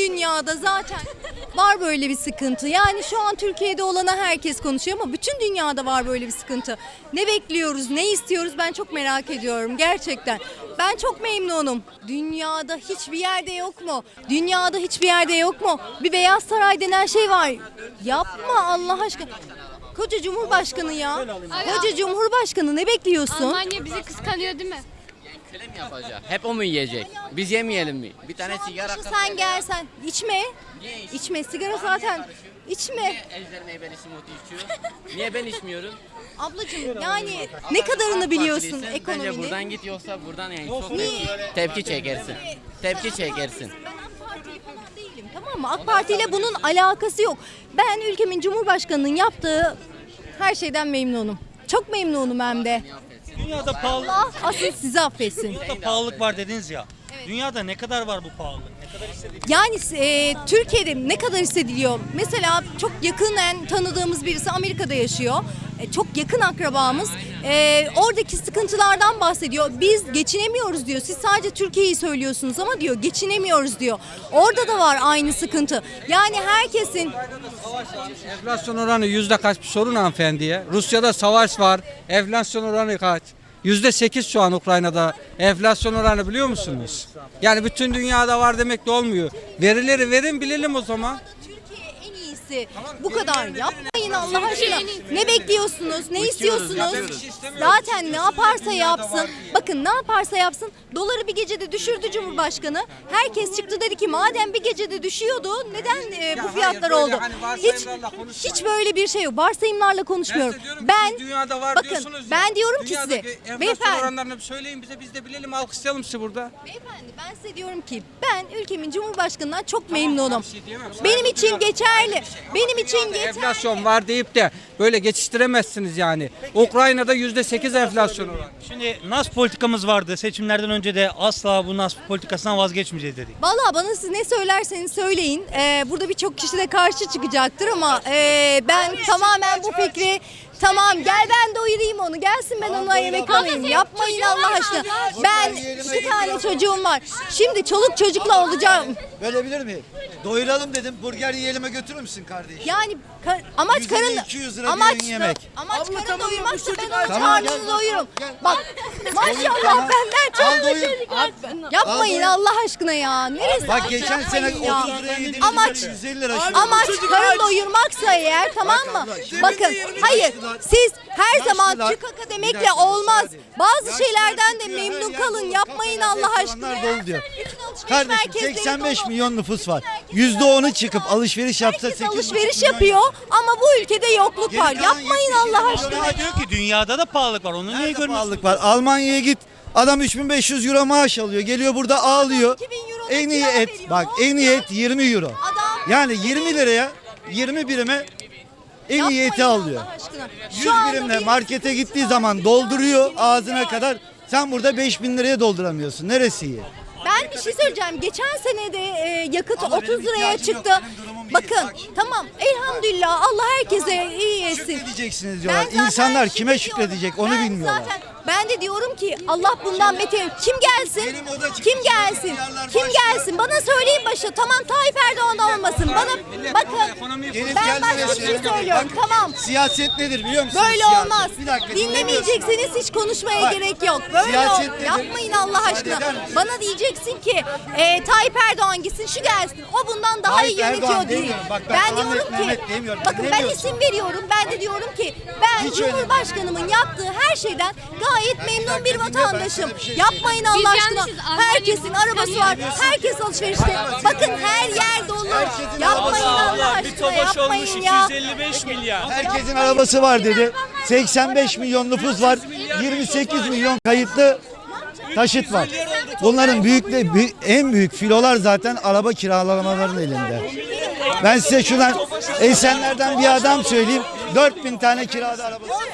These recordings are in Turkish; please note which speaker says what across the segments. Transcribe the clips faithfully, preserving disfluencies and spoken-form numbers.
Speaker 1: dünyada zaten var böyle bir sıkıntı. Yani şu an Türkiye'de olana herkes konuşuyor ama bütün dünyada var böyle bir sıkıntı. Ne bekliyoruz, ne istiyoruz ben çok merak ediyorum gerçekten. Ben çok memnunum. Dünyada hiçbir yerde yok mu? Dünyada hiçbir yerde yok mu? Bir Beyaz Saray denen şey var. Yapma Allah aşkına. Koca Cumhurbaşkanı ya. Koca Cumhurbaşkanı ne bekliyorsun?
Speaker 2: Almanya bizi kıskanıyor değil mi?
Speaker 3: Film yapacak. Hep o mu yiyecek? Biz yemeyelim mi? Bir tane sigara
Speaker 1: Şu
Speaker 3: kap-
Speaker 1: sen gelsen içme. İçme sigara zaten. İçme.
Speaker 3: Niye Ejder Meyveli Smoothie içiyor? Niye ben içmiyorum?
Speaker 1: Ablacığım yani ne kadarını biliyorsun
Speaker 3: Partiliysen Bence
Speaker 1: ekonominin?
Speaker 3: buradan git yoksa buradan yani çok tepki, tepki çekersin. Tepki çekersin.
Speaker 1: Ben AK Partili falan değilim tamam mı? AK Parti ile bunun alakası yok. Ben ülkemin Cumhurbaşkanı'nın yaptığı her şeyden memnunum. Çok memnunum hem de.
Speaker 4: Dünyada pahalı,
Speaker 1: Allah asıl sizi affetsin.
Speaker 4: dünyada pahalılık var dediniz ya. Dünyada ne kadar var bu pahalılık? Ne kadar hissediliyor?
Speaker 1: Yani e, Türkiye'de ne kadar hissediliyor? Mesela çok yakından tanıdığımız birisi Amerika'da yaşıyor. E, çok yakın akrabamız. E, oradaki sıkıntılardan bahsediyor. Biz geçinemiyoruz diyor. Siz sadece Türkiye'yi söylüyorsunuz ama diyor geçinemiyoruz diyor. Orada da var aynı sıkıntı. Yani herkesin
Speaker 5: Enflasyon oranı yüzde kaç bir sorun hanımefendiye. Rusya'da savaş var. Enflasyon oranı kaç? Yüzde sekiz şu an Ukrayna'da enflasyon oranı biliyor musunuz? Yani bütün dünyada var demek de olmuyor. Verileri verin bilelim o zaman.
Speaker 1: Türkiye en iyisi. Bu kadar yapmayın Allah aşkına. Ne bekliyorsunuz? Ne istiyorsunuz? Zaten ne yaparsa yapsın. Bakın ne yaparsa yapsın. Doları bir gecede düşürdü Cumhurbaşkanı. Herkes çıktı dedi ki madem bir gecede düşüyordu neden e, bu fiyatlar
Speaker 5: böyle
Speaker 1: oldu?
Speaker 5: hani
Speaker 1: Hiç
Speaker 5: varsayımlarla konuşmayın.
Speaker 1: hiç böyle bir şey yok. Varsayımlarla konuşmuyorum.
Speaker 5: Ben, size diyorum ki
Speaker 1: Ben
Speaker 5: siz dünyada var
Speaker 1: bakın
Speaker 5: diyorsunuz ya.
Speaker 1: ben diyorum ki size
Speaker 5: Dünyadaki enflasyon
Speaker 1: beyefendi
Speaker 5: oranlarını bir söyleyin bize biz de bilelim alkışlayalım sizi burada.
Speaker 1: Beyefendi ben size diyorum ki ben ülkemin Cumhurbaşkanı'ndan çok memnunum.
Speaker 5: bir şey diyemem.
Speaker 1: Benim
Speaker 5: Saygı
Speaker 1: için
Speaker 5: duyuyorum.
Speaker 1: geçerli. Benim için
Speaker 5: Dünyada
Speaker 1: geçerli.
Speaker 5: enflasyon var deyip de böyle geçiştiremezsiniz yani. Ukrayna'da yüzde sekiz enflasyon oranı.
Speaker 4: Şimdi N A S politikamız vardı. Seçimlerden önce de asla bu N A S politikasından vazgeçmeyeceğiz dedik.
Speaker 1: Vallahi bana siz ne söylerseniz söyleyin. Ee, burada birçok kişi de karşı çıkacaktır ama ee, ben tamamen bu fikri tamam gel ben doyurayım onu gelsin ben ona yemek alayım. Yapmayın Allah aşkına. Ben iki tane çocuğum var. Şimdi çoluk çocukla olacağım.
Speaker 6: Bölebilir miyim? Doyuralım dedim. Burger yiyelim'e götürür müsün kardeşim?
Speaker 1: Yani ka- amaç
Speaker 6: yüz elli,
Speaker 1: karın
Speaker 6: iki yüz lira bir
Speaker 1: amaç
Speaker 6: öğün yemek.
Speaker 1: amaç
Speaker 6: Abla,
Speaker 1: karın
Speaker 6: tamam,
Speaker 1: doyurmaksa
Speaker 6: bu
Speaker 1: ben
Speaker 6: çocuk-
Speaker 1: onun
Speaker 6: Tamam,
Speaker 1: karnını
Speaker 6: gel,
Speaker 1: doyururum.
Speaker 6: gel.
Speaker 1: Bak maşallah
Speaker 6: tamam.
Speaker 1: benden
Speaker 6: Al
Speaker 1: çok
Speaker 6: doyur.
Speaker 1: yapmayın
Speaker 6: Al
Speaker 1: Allah aşkına ya. Neresi?
Speaker 6: Bak geçen sene
Speaker 1: Yapmayın ya.
Speaker 6: otuz liraya yediğimiz
Speaker 1: Amaç-
Speaker 6: yüz elli lira. şimdi.
Speaker 1: Amaç karın doyurmaksa eğer tamam mı? Bakın hayır siz her zaman
Speaker 6: Açtılar.
Speaker 1: çıkaka
Speaker 6: Bir
Speaker 1: demekle
Speaker 6: dakika,
Speaker 1: olmaz.
Speaker 6: müsaade.
Speaker 1: Bazı
Speaker 6: Yaşlılar
Speaker 1: şeylerden de
Speaker 6: çıkıyor, her
Speaker 1: memnun
Speaker 6: yer
Speaker 1: kalın.
Speaker 6: dolu.
Speaker 1: Yapmayın
Speaker 6: Kafeler,
Speaker 1: Allah aşkına.
Speaker 6: restoranlar dolu diyor.
Speaker 1: Bütün alışveriş
Speaker 6: Kardeşim
Speaker 1: merkezleri
Speaker 6: seksen beş
Speaker 1: dolu.
Speaker 6: milyon nüfus var. yüzde onu çıkıp alışveriş yapsa
Speaker 1: Herkes
Speaker 6: sekiz buçuk
Speaker 1: alışveriş
Speaker 6: milyon
Speaker 1: yapıyor ama bu ülkede yokluk
Speaker 6: Geri
Speaker 1: var.
Speaker 6: kalan
Speaker 1: Yapmayın
Speaker 6: yetmiş
Speaker 1: Allah
Speaker 6: milyon
Speaker 1: aşkına.
Speaker 4: Ama diyor ki dünyada da pahalılık var. Onu niye
Speaker 6: Nerede
Speaker 4: görmüyorsun?
Speaker 6: pahalılık var? Almanya'ya git. Adam üç bin beş yüz euro maaş alıyor. Geliyor burada ağlıyor.
Speaker 1: iki bin euro da
Speaker 6: En iyi
Speaker 1: kira
Speaker 6: et.
Speaker 1: veriyor.
Speaker 6: Bak
Speaker 1: Ne
Speaker 6: en iyi
Speaker 1: olacak?
Speaker 6: et yirmi euro.
Speaker 1: Adam-
Speaker 6: Yani yirmi liraya yirmi birime en iyi eti
Speaker 1: Yapmayın
Speaker 6: alıyor.
Speaker 1: Allah aşkına.
Speaker 6: yüz
Speaker 1: Şu anda
Speaker 6: birimle
Speaker 1: bir
Speaker 6: markete
Speaker 1: sıkıntı
Speaker 6: gittiği
Speaker 1: var.
Speaker 6: zaman dolduruyor ağzına kadar. Sen burada beş bin liraya dolduramıyorsun. Neresi iyi?
Speaker 1: Ben bir şey söyleyeceğim. Geçen sene de e, yakıt
Speaker 6: Ama
Speaker 1: otuz
Speaker 6: benim
Speaker 1: liraya
Speaker 6: ihtiyacım yok,
Speaker 1: çıktı.
Speaker 6: benim durumum iyi.
Speaker 1: Bakın
Speaker 6: Bak şimdi.
Speaker 1: tamam elhamdülillah Allah herkese iyi etsin.
Speaker 6: Şükredeceksiniz
Speaker 1: Ben
Speaker 6: diyorlar.
Speaker 1: zaten
Speaker 6: İnsanlar kime
Speaker 1: şükrediyorum.
Speaker 6: şükredecek onu
Speaker 1: Ben
Speaker 6: bilmiyorlar.
Speaker 1: Zaten ben de diyorum ki Allah bundan beter. Kim gelsin?
Speaker 6: Benim oda çıkışı
Speaker 1: Kim gelsin?
Speaker 6: milyarlar
Speaker 1: Kim
Speaker 6: başlıyor.
Speaker 1: gelsin? Bana söyleyin başı. Tamam Tayyip Erdoğan olmasın. Bana bakın
Speaker 6: Gelip
Speaker 1: ben
Speaker 6: gelmemesi-
Speaker 1: başka bir şey söylüyorum. Tamam.
Speaker 6: Siyaset nedir biliyor musunuz?
Speaker 1: Böyle
Speaker 6: Siyaset.
Speaker 1: olmaz.
Speaker 6: Bir dakika
Speaker 1: Dinlemeyeceksiniz hiç konuşmaya
Speaker 6: Bak,
Speaker 1: gerek yok. Böyle
Speaker 6: siyaset
Speaker 1: ol-
Speaker 6: nedir?
Speaker 1: yapmayın Allah aşkına.
Speaker 6: eder misin?
Speaker 1: Bana diyeceksin ki e, Tayyip Erdoğan gitsin şu gelsin. O bundan daha
Speaker 6: Tayyip
Speaker 1: iyi yönetiyor
Speaker 6: Erdoğan
Speaker 1: diye.
Speaker 6: demiyorum. Bak ben
Speaker 1: Ben
Speaker 6: Ahmet
Speaker 1: diyorum ki
Speaker 6: Mehmet demiyorum.
Speaker 1: bakın ben
Speaker 6: Dinlemiyorsun.
Speaker 1: isim veriyorum. Ben de diyorum ki ben
Speaker 6: Hiç öyle
Speaker 1: Cumhurbaşkanımın yaptığı her şeyden gayet memnun bir
Speaker 6: dinle, ben
Speaker 1: vatandaşım.
Speaker 6: sana bir şey
Speaker 1: Yapmayın Allah
Speaker 2: Biz
Speaker 1: aşkına.
Speaker 2: yanlışız, Almanya
Speaker 1: Herkesin
Speaker 2: bizi
Speaker 1: arabası var.
Speaker 2: kıskanıyor.
Speaker 1: Herkes alışverişte. Bakın her yer dolu. Yapmayın Allah aşkına. Yapmayın ya.
Speaker 7: iki yüz elli beş milyar.
Speaker 6: Herkesin arabası var dedi. seksen beş milyon nüfus var. yirmi sekiz milyon kayıtlı taşıt var. Bunların büyükle bü- en büyük filolar zaten araba kiralamalarının elinde. Ben size şuradan Esenler'den bir adam söyleyeyim. dört bin tane kirada arabası.
Speaker 1: on sene önce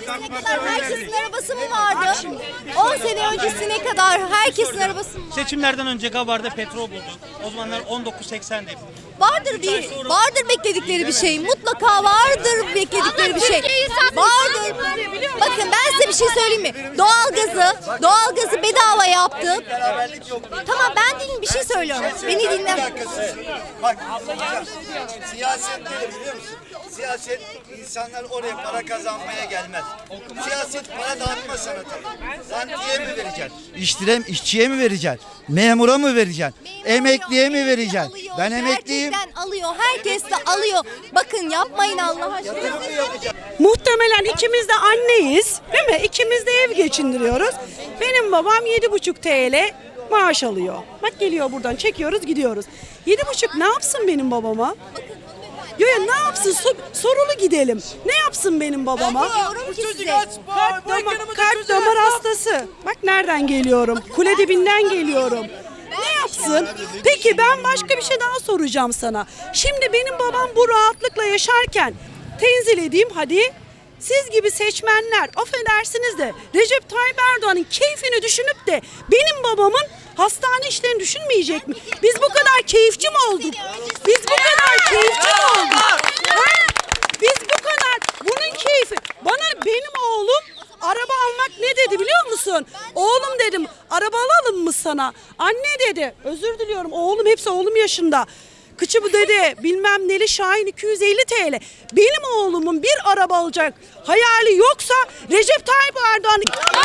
Speaker 1: öncesine kadar herkesin arabası mı vardı? on sene öncesine kadar herkesin arabası mı vardı?
Speaker 4: Seçimlerden önce Gabar'da petrol bulduk. O zamanlar on dokuz seksendi.
Speaker 1: Vardır bir, vardır bekledikleri bir şey. Mutlaka vardır bekledikleri bir şey. Vardır. Bakın ben size bir şey söyleyeyim mi? Doğalgazı, doğalgazı bedava yaptı. Tamam ben dinle bir şey söylüyorum. Beni dinle.
Speaker 6: Bak, siyaset nedir biliyor musun? Siyaset insanlar oraya para kazanmaya gelmez. Siyaset para dağıtma sanatı. Rantiye mi vereceksin? İşçiye, işçiye mi vereceksin? Memura mı vereceksin? Emekliye mi vereceksin? Ben emekliyim.
Speaker 1: Gerçekten alıyor. Herkes de alıyor. Bakın yapmayın Allah aşkına.
Speaker 2: Muhtemelen ikimiz de anneyiz, değil mi? İkimiz de ev geçindiriyoruz. Benim babam yedi buçuk TL maaş alıyor. Bak geliyor buradan çekiyoruz gidiyoruz. Yedi buçuk ne yapsın benim babama? Yo ya ne yapsın? So- sorulu gidelim. Ne yapsın benim babama?
Speaker 1: Diyorum ki size.
Speaker 2: Kalp damar, kalp damar hastası. Bak nereden geliyorum? Kule dibinden geliyorum. Ne yapsın? Peki ben başka bir şey daha soracağım sana. Şimdi benim babam bu rahatlıkla yaşarken tenzil edeyim hadi. Siz gibi seçmenler affedersiniz de Recep Tayyip Erdoğan'ın keyfini düşünüp de benim babamın hastane işlerini düşünmeyecek mi? Biz bu kadar keyifçi mi olduk? Biz bu kadar keyifçi mi olduk? Ha? Biz bu kadar bunun keyfi. Bana benim oğlum araba almak ne dedi biliyor musun? Oğlum dedim araba alalım mı sana? Anne dedi özür diliyorum oğlum hepsi oğlum yaşında. Kıçı bu dedi bilmem neli Şahin iki yüz elli TL. Benim oğlumun bir araba alacak hayali yoksa Recep Tayyip Erdoğan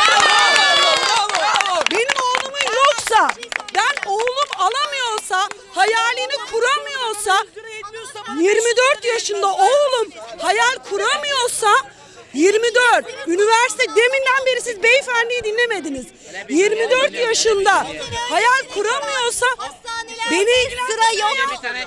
Speaker 2: benim oğlumun yoksa ben oğlum alamıyorsa hayalini kuramıyorsa yirmi dört yaşında oğlum hayal kuramıyorsa yirmi dört üniversite deminden beri siz beyefendiyi dinlemediniz. yirmi dört yaşında hayal kuramıyorsa beni
Speaker 1: Sıra yok.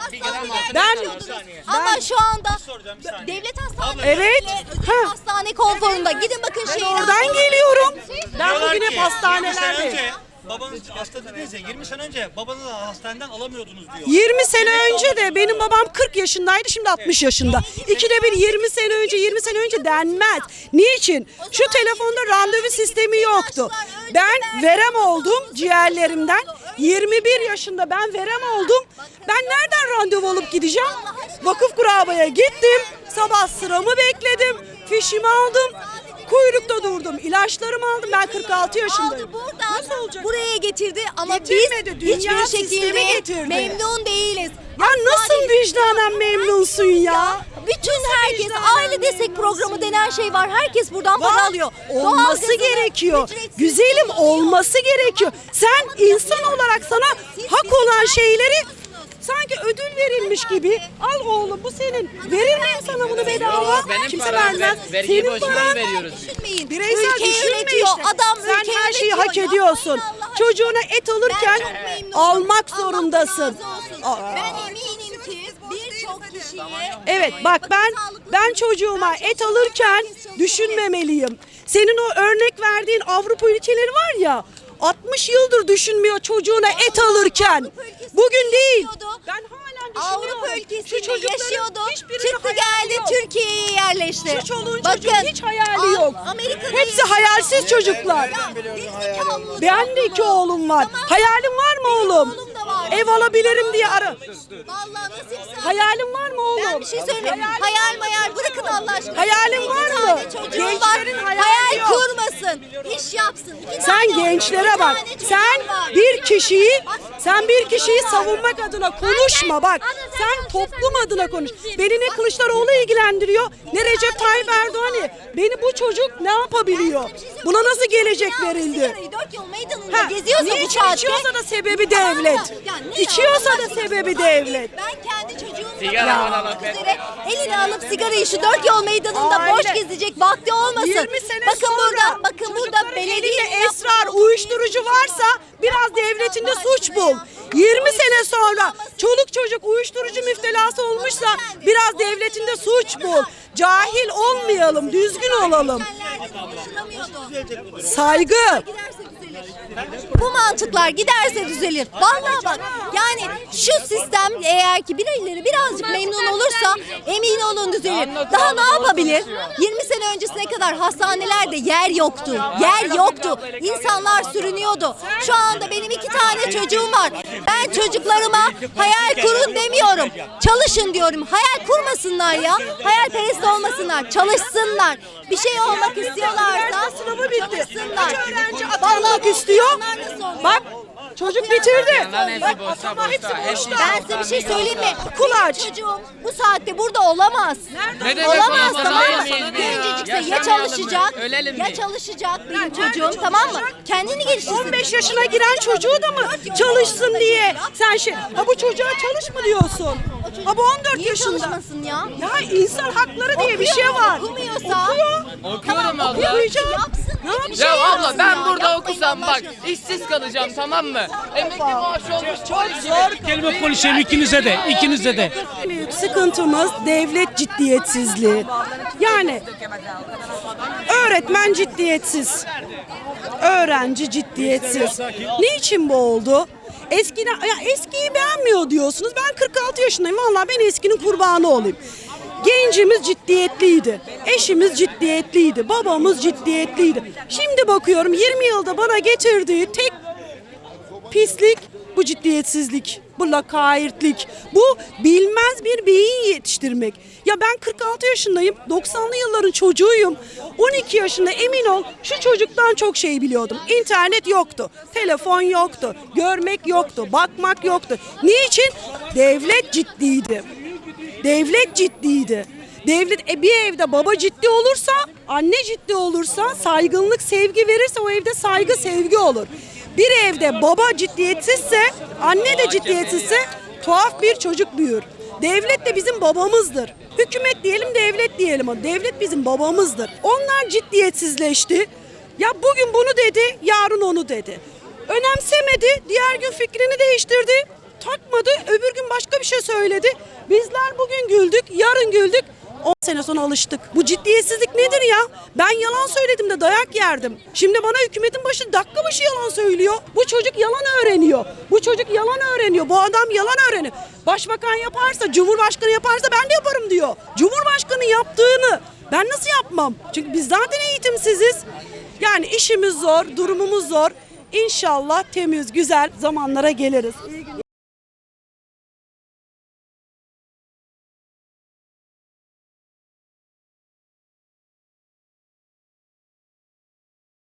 Speaker 2: ben
Speaker 1: Ama şu anda devlet hastaneleri
Speaker 2: Evet.
Speaker 1: özel
Speaker 2: Ha.
Speaker 1: hastane konforunda. Gidin bakın
Speaker 2: ben
Speaker 1: şehir
Speaker 2: oradan
Speaker 1: hastanelerine.
Speaker 2: geliyorum. Ben
Speaker 4: Diyorlar
Speaker 2: bugün hep
Speaker 4: ki, yirmi sene
Speaker 2: hastanelerde.
Speaker 4: önce babanız hasta dediniz ya, yirmi sene önce babanızı hastaneden alamıyordunuz diyor.
Speaker 2: yirmi sene önce de benim babam kırk yaşındaydı şimdi altmış yaşında. İkide bir yirmi sene önce yirmi sene önce denmez. Niçin? Şu telefonda randevu sistemi yoktu. Ben verem oldum ciğerlerimden. yirmi bir yaşında ben verem oldum. Ben nereden randevu alıp gideceğim? Vakıf Kuraba'ya gittim. Sabah sıramı bekledim. Fişimi aldım. Kuyrukta durdum. İlaçlarımı aldım. Ben kırk altı yaşındayım.
Speaker 1: Aldı buradan
Speaker 2: Nasıl olacak?
Speaker 1: buraya getirdi ama
Speaker 2: Getirmedi,
Speaker 1: biz
Speaker 2: dünya
Speaker 1: hiçbir
Speaker 2: sistemi
Speaker 1: şekilde
Speaker 2: getirdi.
Speaker 1: memnun değiliz.
Speaker 2: Ya nasıl vicdanen memnunsun ya?
Speaker 1: Bütün herkes aile destek programı denen şey var. Herkes buradan para
Speaker 2: Var.
Speaker 1: alıyor.
Speaker 2: Olması
Speaker 1: Doğalgazını
Speaker 2: gerekiyor.
Speaker 1: ücretsiz
Speaker 2: Güzelim olması gerekiyor. Sen insan olarak sana hak olan şeyleri sanki ödül verilmiş gibi. Al oğlum bu senin. Verir miyim sana bunu bedava?
Speaker 3: Benim
Speaker 2: Kimse
Speaker 3: param,
Speaker 2: vermez.
Speaker 3: ben vergiyi
Speaker 2: Senin
Speaker 3: boşuna
Speaker 2: paran.
Speaker 3: veriyoruz.
Speaker 1: Düşünmeyin.
Speaker 2: Bireysel
Speaker 1: Ülkeyi
Speaker 2: düşünme
Speaker 1: üretiyor.
Speaker 2: işte.
Speaker 1: Adam
Speaker 2: Sen
Speaker 1: ülkeyi
Speaker 2: her şeyi
Speaker 1: üretiyor.
Speaker 2: hak ediyorsun.
Speaker 1: Yapmayın Allah aşkına.
Speaker 2: Çocuğuna et alırken
Speaker 1: Ben çok memnunum.
Speaker 2: almak
Speaker 1: Allah
Speaker 2: zorundasın.
Speaker 1: razı olsun.
Speaker 2: Aa.
Speaker 1: Ben eminim ki birçok kişiye
Speaker 2: Evet bak ben ben çocuğuma et alırken düşünmemeliyim. Senin o örnek verdiğin Avrupa ülkeleri var ya altmış yıldır düşünmüyor çocuğuna et alırken. Bugün değil. Ben halen düşünüyorum.
Speaker 1: Avrupa
Speaker 2: Şu
Speaker 1: ülkesinde
Speaker 2: çocukların
Speaker 1: yaşıyordu.
Speaker 2: hiçbirinin
Speaker 1: Çıktı
Speaker 2: hayali
Speaker 1: geldi
Speaker 2: yok.
Speaker 1: Türkiye'ye yerleşti.
Speaker 2: Şu çoluğun
Speaker 1: Bakın,
Speaker 2: çocuğun hiç hayali
Speaker 1: Al-
Speaker 2: yok.
Speaker 1: Amerika'da
Speaker 2: Hepsi
Speaker 1: yaşıyor.
Speaker 2: hayalsiz çocuklar.
Speaker 1: Ya, gerizekalı
Speaker 2: Ben de iki oğlum var.
Speaker 1: Tamam.
Speaker 2: Hayalin var mı oğlum?
Speaker 1: oğlum da var.
Speaker 2: Ev alabilirim diye ara.
Speaker 1: Vallahi nasipse.
Speaker 2: Hayalin var mı oğlum?
Speaker 1: Ben bir şey söyleyeyim. Hayal mayal bırakın Allah aşkına.
Speaker 2: Hayalin var
Speaker 1: İki
Speaker 2: mı?
Speaker 1: tane çocuğum var.
Speaker 2: Gençlerin hayali
Speaker 1: Hayal
Speaker 2: yok.
Speaker 1: kurmasın. İş yapsın. İki
Speaker 2: Sen
Speaker 1: tane-
Speaker 2: gençlere
Speaker 1: iki
Speaker 2: bak.
Speaker 1: tane çocuğum
Speaker 2: Sen
Speaker 1: var.
Speaker 2: bir kişiyi
Speaker 1: Bak,
Speaker 2: sen bir kişiyi savunmak adına konuşma bak. Sen toplum adına konuş. Beni ne Kılıçdaroğlu ilgilendiriyor ne Recep Tayyip Erdoğan'ı. Beni bu çocuk ne yapabiliyor? Buna nasıl gelecek verildi?
Speaker 1: Sigarayı dört yol meydanında
Speaker 2: Ha,
Speaker 1: geziyorsa bu
Speaker 2: niçin
Speaker 1: saatte.
Speaker 2: içiyorsa da sebebi
Speaker 1: Tamam
Speaker 2: devlet.
Speaker 1: Ya ne
Speaker 2: İçiyorsa
Speaker 1: Allah
Speaker 2: da
Speaker 1: aşkına?
Speaker 2: sebebi
Speaker 1: Ben-
Speaker 2: devlet.
Speaker 1: Ben kendi çocuğumla
Speaker 3: Sigara
Speaker 1: beraber
Speaker 3: bana
Speaker 1: olmak
Speaker 3: bak.
Speaker 1: üzere eline alıp sigarayı şu dört yol meydanında
Speaker 2: Aile.
Speaker 1: boş gezecek vakti olmasın.
Speaker 2: yirmi sene
Speaker 1: bakın
Speaker 2: sonra
Speaker 1: burada, bakın burada
Speaker 2: çocukların
Speaker 1: belediye
Speaker 2: elinde esrar, uyuşturucu varsa biraz devletinde suç bul. yirmi sene sonra çoluk çocuk uyuşturucu müptelası olmuşsa biraz devletinde suç bul. Cahil olmayalım, düzgün olalım.
Speaker 1: Konuşulamıyordu.
Speaker 2: Saygı.
Speaker 1: Giderse düzelir. Bu mantıklar giderse düzelir. Vallahi bak yani şu sistem eğer ki birileri birazcık memnun olursa emin olun düzelir. Daha ne yapabilir? yirmi sene öncesine kadar hastanelerde yer yoktu. Yer yoktu. İnsanlar sürünüyordu. Şu anda benim iki tane çocuğum var. Ben çocuklarıma hayal kurun demiyorum. Çalışın diyorum. Hayal kurmasınlar ya. Hayalperest olmasınlar. Çalışsınlar. Bir şey olmak istiyorlarsa
Speaker 2: Sınavı bitti.
Speaker 1: çalışsınlar.
Speaker 2: Kaç öğrenci
Speaker 1: Vallahi
Speaker 2: atanmak istiyor?
Speaker 1: onlar nasıl oluyor?
Speaker 2: Bak çocuk bitirdi.
Speaker 3: Bunların hepsi
Speaker 2: Bak
Speaker 3: boşta,
Speaker 2: atama hepsi
Speaker 3: boşta.
Speaker 2: boşta.
Speaker 1: Ben size bir şey söyleyeyim mi?
Speaker 2: Okul aç.
Speaker 1: Çocuğum bu saatte burada olamaz.
Speaker 3: Ne demek
Speaker 1: Olamaz
Speaker 3: olamaz?
Speaker 1: tamam mı?
Speaker 3: Yaşayamayız biz ya.
Speaker 1: Gencecikse ya
Speaker 3: Yaşamayalım mı?
Speaker 1: çalışacak
Speaker 3: Ölelim
Speaker 1: ya
Speaker 3: mi?
Speaker 1: çalışacak benim çocuğum tamam mı? Kendini geliştirsin.
Speaker 2: on beş yaşına giren çocuğu da mı çalışsın diye sen şey ha bu çocuğa çalış mı diyorsun? Ha bu on dört
Speaker 1: Niye
Speaker 2: yaşında.
Speaker 1: çalışmasın ya?
Speaker 2: Ya insan hakları diye bir şey var.
Speaker 1: Okumuyorsa.
Speaker 2: Okuyor.
Speaker 3: Okuyorum abla.
Speaker 2: Okuyacak.
Speaker 1: Yapsın.
Speaker 2: Ne yapacak?
Speaker 1: Bir şey
Speaker 3: Ya abla
Speaker 1: yapsın
Speaker 3: ben
Speaker 1: ya.
Speaker 3: burada
Speaker 1: Yapmayın
Speaker 3: okusam
Speaker 1: Allah
Speaker 3: bak
Speaker 1: aşkına.
Speaker 3: işsiz kalacağım tamam mı? Emekli maaşı olmuş polis.
Speaker 4: Kelime konuşayım ikinize de, ikinize de.
Speaker 2: En büyük sıkıntımız devlet ciddiyetsizliği. Yani öğretmen ciddiyetsiz. Öğrenci ciddiyetsiz. Niçin bu oldu? Eskiden, ya eskiyi beğenmiyor diyorsunuz. Ben kırk altı yaşındayım. Vallahi ben eskinin kurbanı olayım. Gencimiz ciddiyetliydi. Eşimiz ciddiyetliydi. Babamız ciddiyetliydi. Şimdi bakıyorum yirmi yılda bana getirdiği tek pislik bu ciddiyetsizlik, bu lakaytlık, bu bilmez bir beyin yetiştirmek. Ya ben kırk altı yaşındayım, doksanlı yılların çocuğuyum. on iki yaşında emin ol şu çocuktan çok şey biliyordum. İnternet yoktu, telefon yoktu, görmek yoktu, bakmak yoktu. Niçin? Devlet ciddiydi. Devlet ciddiydi. Devlet e, bir evde baba ciddi olursa, anne ciddi olursa, saygınlık, sevgi verirse o evde saygı, sevgi olur. Bir evde baba ciddiyetsizse, anne de ciddiyetsizse tuhaf bir çocuk büyür. Devlet de bizim babamızdır. Hükümet diyelim, devlet diyelim ama devlet bizim babamızdır. Onlar ciddiyetsizleşti. Ya bugün bunu dedi, yarın onu dedi. Önemsemedi, diğer gün fikrini değiştirdi. Takmadı, öbür gün başka bir şey söyledi. Bizler bugün güldük, yarın güldük. on sene sonra alıştık. Bu ciddiyetsizlik nedir ya? Ben yalan söyledim de dayak yerdim. Şimdi bana hükümetin başı dakika başı yalan söylüyor. Bu çocuk yalan öğreniyor. Bu çocuk yalan öğreniyor. Bu adam yalan öğreniyor. Başbakan yaparsa, Cumhurbaşkanı yaparsa ben de yaparım diyor. Cumhurbaşkanı yaptığını ben nasıl yapmam? Çünkü biz zaten eğitimsiziz. Yani işimiz zor, durumumuz zor. İnşallah temiz, güzel zamanlara geliriz.